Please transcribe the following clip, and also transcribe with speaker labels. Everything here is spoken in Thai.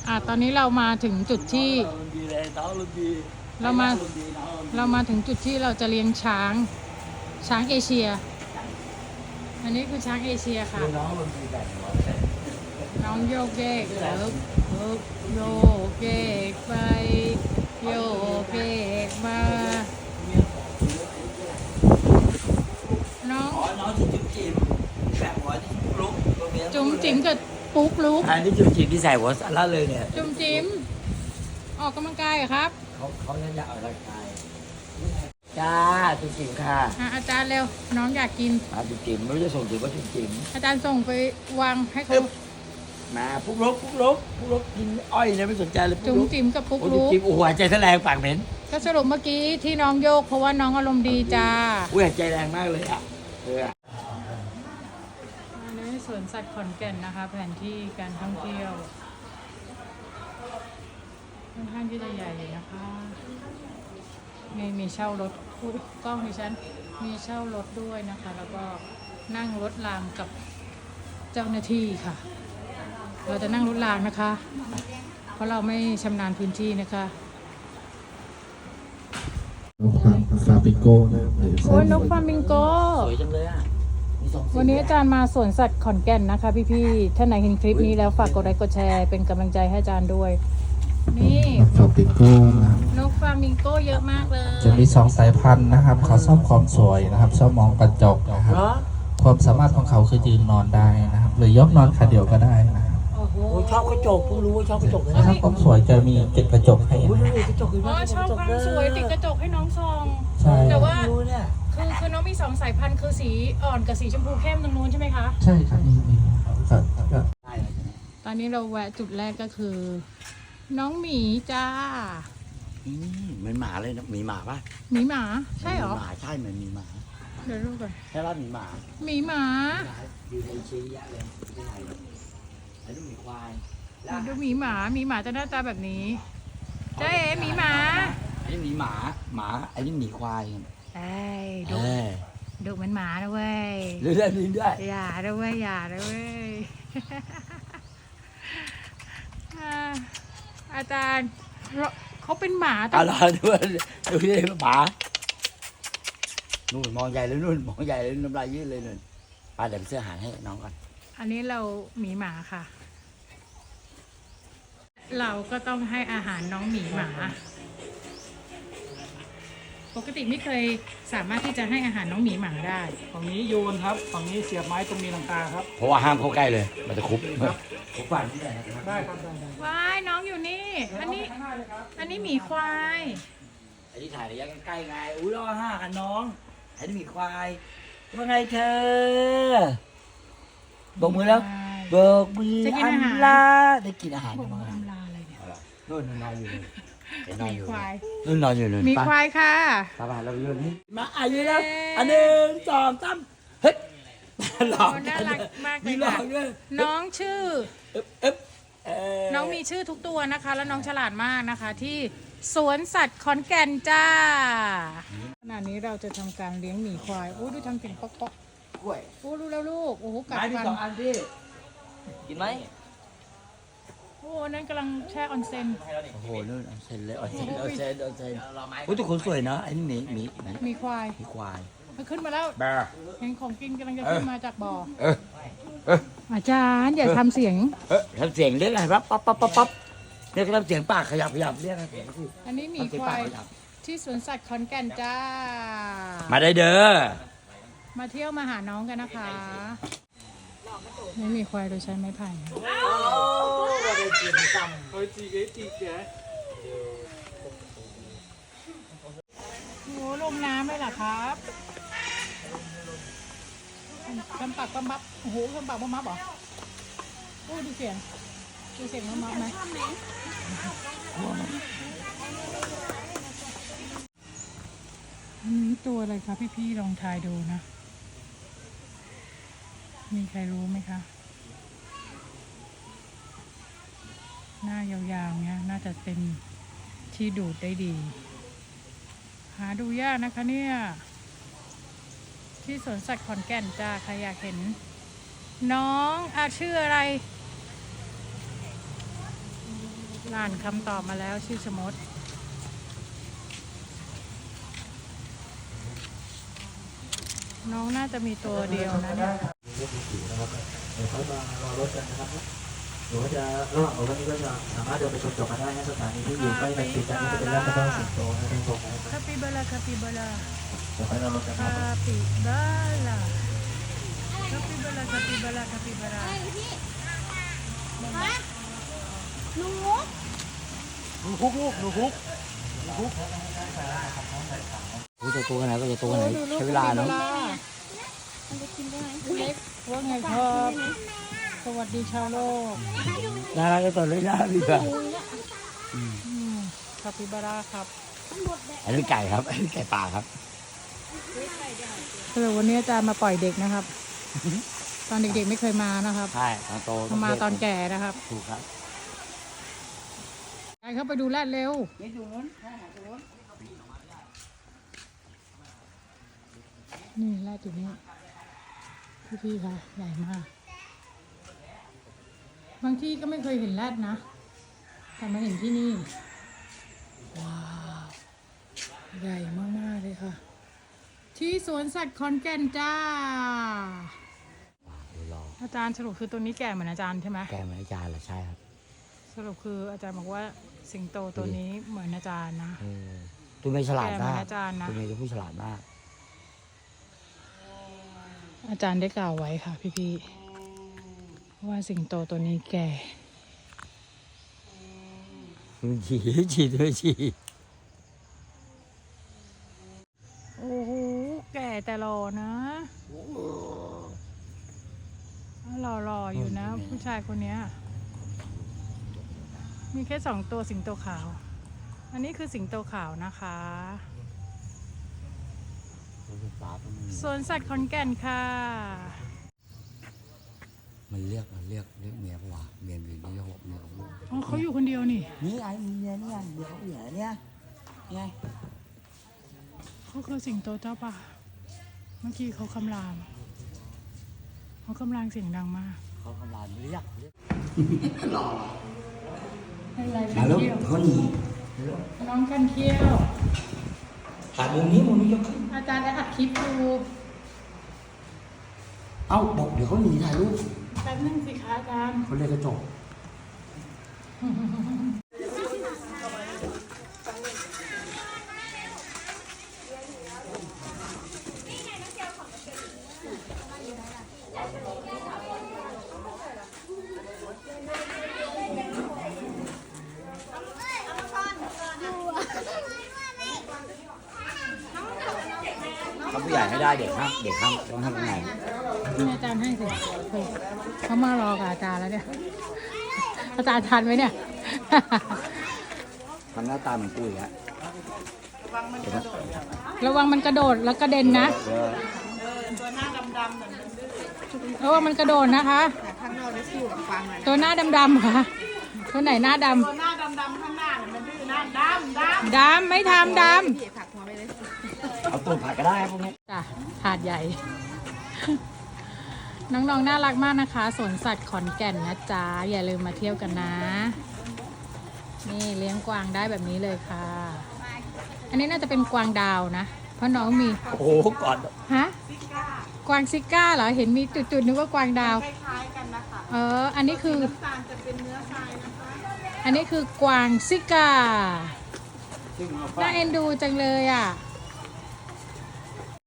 Speaker 1: ตอนนี้เรามาถึงจุดที่เรามาถึงจุดที่เราจะเลี้ยงช้างเอเชีย อันนี้คือช้างเอเชียค่ะน้องโยกเยกโยกเยกไปโยกเยกมาน้องจุ๋มจิ๋มกับปุ๊กลุก
Speaker 2: อันนี้จุ๋มจิ๋มที่ใส่หัวสาระเลยเนี่ย
Speaker 1: จุ๋มจิ๋มออกกำลังกายเหรอครับ
Speaker 2: เขาจะออกกำลังกายจ้าจุ๋มจิ๋มค่ะ
Speaker 1: อาจารย์เร็วน้องอยากกิน
Speaker 2: จุ๋มจิ๋มไม่รู้จะส่งถึงว่าจุ๋มจิ๋ม
Speaker 1: อาจารย์ส่งไปวางให้เขา
Speaker 2: มาปุ๊กลุกกินอ้อยเลยไม่สนใจเลย
Speaker 1: จุ๋มจิ๋มกับปุ๊กลุก
Speaker 2: จิ๋มโอ้โหใจแรงปากเหม็น
Speaker 1: ก็สรุปเมื่อกี้ที่น้องโยกเพราะว่าน้องอารมณ์ดีจ้า
Speaker 2: ใจแรงมากเลยอ่ะ
Speaker 1: ในสวนสัตว์ขอนแก่นนะคะแผนที่การท่องเที่ยวค่อนข้างที่จะใหญ่นะคะมีเช่ารถกล้องดิฉันมีเช่ารถด้วยนะคะแล้วก็นั่งรถรางกับเจ้าหน้าที่ค่ะเราจะนั่งรถรางนะคะเพราะเราไม่ชำนาญพื้นที่นะคะ
Speaker 3: นกฟาปิโก้นะ
Speaker 1: โอ้ยนกฟามิงโก
Speaker 2: สวยจังเลยอ่ะ
Speaker 1: วันนี้อาจารย์มาสวนสัตว์ขอนแก่นนะคะพี่ๆท่านไหนเห็นคลิปนี้แล้วฝากกดไลค์กดแชร์เป็นกำลังใจให้อาจารย์ด้วยนี่
Speaker 3: นกฟาปิโก้นะ
Speaker 1: นกฟามิงโกเยอะมากเลย
Speaker 3: จะมี2 สายพันธุ์นะครับเขาชอบความสวยนะครับชอบมองกระจกนะครับความสามารถของเขาคือยืนนอนได้นะครับหรือยกนอนขาเดียวก็ได้นะครับ
Speaker 2: ชอบกระจกเพิ่งรู้ว่าชอบกระจกเลย
Speaker 3: ถ้าความสวยจะมีติดกระจกให้นะ
Speaker 1: ชอบความสวยติดกระจกให้น้องซองแต่ว่าคือน้องมี2 สายพันธุ์คือสีอ่อนกับสีชมพูเข้มตรงนู้นใช่ไหมคะ
Speaker 3: ใช่ครับมี
Speaker 1: ตอนนี้เราแวะจุดแรกก็คือน้องหมีจ้า
Speaker 2: เหมือนหมาเลยนะมีหมาป่ะ
Speaker 1: หมีหมาใช่หรอ
Speaker 2: หมาใช่เหมือนมีหมา
Speaker 1: เดี๋ยวดูก่อน
Speaker 2: ใช่ป่ะมีหมาอยู่ในเชียร์เลยไอ้ดูหมีควาย
Speaker 1: ดูหมีหมาจะหน้าตาแบบนี้เจ๊หมีหมา
Speaker 2: ไอ้หมีหมาไอ้นี่หมีควาย
Speaker 1: ดูเหมือนหมานะเว้ย
Speaker 2: เรื่อย
Speaker 1: อย่าด้วยอาจารย์เขาเป็นหมา
Speaker 2: อะไรด้วยดูดิหมานู่นมองใหญ่เลยนู่นมองใหญ่เลยน้ำลายยืดเลยนู่นป้าเดี๋ยวซื้ออาหารให้น้องก่อน
Speaker 1: อันนี้เราหมีหมาค่ะเราก็ต้องให้อาหารน้องหมีหมาปกติไม่เคยสามารถที่จะให้อาหารน้องหมีหมาได้
Speaker 4: ฝั่งนี้โยนครับฝั่งนี้เสียบไม้ตรงมีหลังคาครับ
Speaker 2: เพราะว่าห้ามเข้าใกล้เลยมันจะคุบฝัน
Speaker 4: ได้ครับ
Speaker 1: ว้ายน้องอยู่นี่อันนี้หมีควาย
Speaker 2: ไอ้ที่ถ่ายระยะใกล้ไงอุ้ยรอ5กันน้องไอ้นี่หมีควายว่าไงเธอบอกมือแล้วบอกมืออันลาได้กินอาหาร
Speaker 1: บอกมืออันลาอะไรเนี่ย
Speaker 2: นู่นนอนอยู่
Speaker 1: นอนอยู่
Speaker 2: นู่นนอนอยู่เลย
Speaker 1: มีควายค่ะ
Speaker 2: ป้าเราอยู่นี่มาอายุแล้ว1 2 3เฮ้ยหลอก
Speaker 1: น่ารักมากเลยค่ะน้องชื่อน้องมีชื่อทุกตัวนะคะแล้วน้องฉลาดมากนะคะที่สวนสัตว์ขอนแก่นจ้าขณะนี้เราจะทำการเลี้ยงหมีควายโอ้ดูทำเสียงป๊อกโอ้ดูแล้วลูกโอ้โหกัดฟัน
Speaker 2: 2 อันพี่กินไหม
Speaker 1: โอ้นั่นกำลังแช่ออนเซ็น
Speaker 2: โอ้โหนู่นออนเซ็นเลยออนเซ็นโอ้ทุกคนสวยนะไอ้นี่
Speaker 1: มีควายมันขึ้นมาแล้วเห็นของกินกำลังจะขึ้นมาจากบ่ออาจารย์อย่าทำเสียง
Speaker 2: ทำเสียงเรียกอะไรปั๊บเรียกเสียงปากขยับเรียกอะไร
Speaker 1: อันนี้มีควายที่สวนสัตว์ขอนแก่นจ้า
Speaker 2: มาได้เด้อ
Speaker 1: มาเที่ยวมาหาน้องกันนะคะไม่มีควายโดยใช้ไม้ไผ่โอ้ลงน้ำเลยเหรอครับทำปากปั๊มบับโอ้โหทำปากปั๊มบับเหรอโอ้ดูเสียงปั๊มบับไหมตัวอะไรคะพี่ลองทายดูนะมีใครรู้ไหมคะหน้ายาวๆเนี้ยน่าจะเป็นที่ดูดได้ดีหาดูยากนะคะเนี่ยที่สวนสัตว์ขอนแก่นจ้าใครอยากเห็นน้องชื่ออะไรอ่านคำตอบมาแล้วชื่อชะมดน้องน่าจะมีตัวเดียวนะเนี่ย
Speaker 2: เดี๋ยวเขามารอรถกันนะครับหรือว่าจะระหว่างรถนี้ก็จะสามารถเดินไปชมจบกันได้นะสถานีที่อยู่ใกล้กันติดกันนี้จะเป็นร้านกระเพาะสิงโตนะท่านผู้ชมนะ
Speaker 1: คาปิบาร่าคาปิบาร่า
Speaker 2: เดี๋ยวไปรอรถกันค
Speaker 1: คา
Speaker 2: รับ
Speaker 1: ปิบาร่าคาปิบาร่าคาปิบาร่าคาปิบาร่า
Speaker 2: รู้จะตัวไหนก็จะตัวไหนใช้เวลาเนาะ
Speaker 1: เล็กว่าไงครับสวัสดีชาวโลก
Speaker 2: น่ารักจะตัวเลยน่าดีกว่า
Speaker 1: คาปิบาร่าครับ
Speaker 2: อันนี้ไก่ครับอันนี้ไก่ป่าครับ
Speaker 1: สำหรับวันนี้อาจารย์มาปล่อยเด็กนะครับ ตอนเด็กๆไม่เคยมานะครับ
Speaker 2: ใช่ตอนโต
Speaker 1: มาตอนแก่นะครับ
Speaker 2: ถูกครับ
Speaker 1: ไปเข้าไปดูแรดเร็วนี่แรดอยู่นี่พี่ๆค่ะใหญ่มาก บางที่ก็ไม่เคยเห็นแรดนะแต่มาเห็นที่นี่ ว้าว ใหญ่มากๆเลยค่ะ ที่สวนสัตว์ขอนแก่นจ้า อาจารย์สรุปคือตัวนี้แก่เหมือนอาจารย์ใช่ไหม
Speaker 2: แกเหมือนอาจารย์เหรอใช่ครับ
Speaker 1: สรุปคืออาจารย์บอกว่าสิงโตตัวนี้เหมือนอาจารย์นะ
Speaker 2: ตัวไม่ฉลาด
Speaker 1: แกเหมื
Speaker 2: มา
Speaker 1: อก นอาจารย์นะ
Speaker 2: ตัวนี้จะผู้ฉลาดมาก
Speaker 1: อาจารย์ได้กล่าวไว้ค่ะพี่ๆว่าสิงโตตัวนี้แก่
Speaker 2: ฉี่ด้วยฉี่
Speaker 1: โอ้โหแก่แต่หล่อนะหล่อๆอยู่นะ ผู้ชายคนเนี้ยมีแค่2 ตัวสิงโตขาว อันนี้คือสิงโตขาวนะคะสวนสัตว์ขอนแก่นค่ะ
Speaker 2: มันเรียกเมียปะวะเมียอยู่นี่หกเมียของลูก
Speaker 1: อ๋อเขาอยู่คนเดียวนี่
Speaker 2: นี่ไงเมียนี่ไงเมียเขาอยู่ไหนเนี่ยไง
Speaker 1: เขาคือสิงโตเจ้าป่าเมื่อกี้เขาคำรามเขาคำรามเสียงดังมาก
Speaker 2: เขากำลังเรียก
Speaker 1: อะไร
Speaker 2: มาลูกเขาหนี
Speaker 1: น้องกันเที่ยว
Speaker 2: ถ่ายมุมนี้ยกขึ้น
Speaker 1: อาจารย์ได้อัดคลิปดู
Speaker 2: เอ้าบอกเดี๋ยวเขาหนีถ่ายรูป
Speaker 1: แป๊บนึงสิคะอาจารย์
Speaker 2: เขาเรียกกระจก เขาผู้ใหญ่ไม่ได้เด็กห้ามต้องทำยังไง
Speaker 1: นี่อาจารย์ให้สิเฮ้ยเขามารอกับอาจารย์แล้วเนี่ย อาจารย์ทันไหมเนี่ย
Speaker 2: ทำหน้าตาเหมือนกูอีกแล้ว
Speaker 1: ระวังมันกระโดดแล้วกระเด็นนะระวังมันกระโดดนะคะ
Speaker 5: ข้างนอกได้สู้กับฟังเลย
Speaker 1: ตัวหน้าดำๆค่ะตัวไหนหน้าด
Speaker 5: ตัวหน้าดำๆข้างหน้าเนี่ยมันดื้อหน้าดำ
Speaker 1: ำไม่ทำด
Speaker 5: พี่ถักหัวไปเลย
Speaker 2: เอาตูดผัดก็ได้พวกนี้
Speaker 1: ำจ้ะถาดใหญ่ น้องๆน่ารักมากนะคะสวนสัตว์ขอนแก่นนะจ๊ะอย่าลืมมาเที่ยวกันนะ นี่เลี้ยงกวางได้แบบนี้เลยค่ะ อันนี้น่าจะเป็นกวางดาวนะเพราะน้องมี
Speaker 2: โอ้โหก่อน
Speaker 1: ฮะกวางซิก้าเหรอเห็นมีจุดๆนึกว่ากวางดาว
Speaker 5: คล้ายๆกันนะคะ
Speaker 1: อันนี้คือ
Speaker 5: น้ำตาลจะเป็นเนื้อทรายนะคะ
Speaker 1: อันนี้คือกวางซิก้าน่าเอ็นดูจังเลยอ่ะ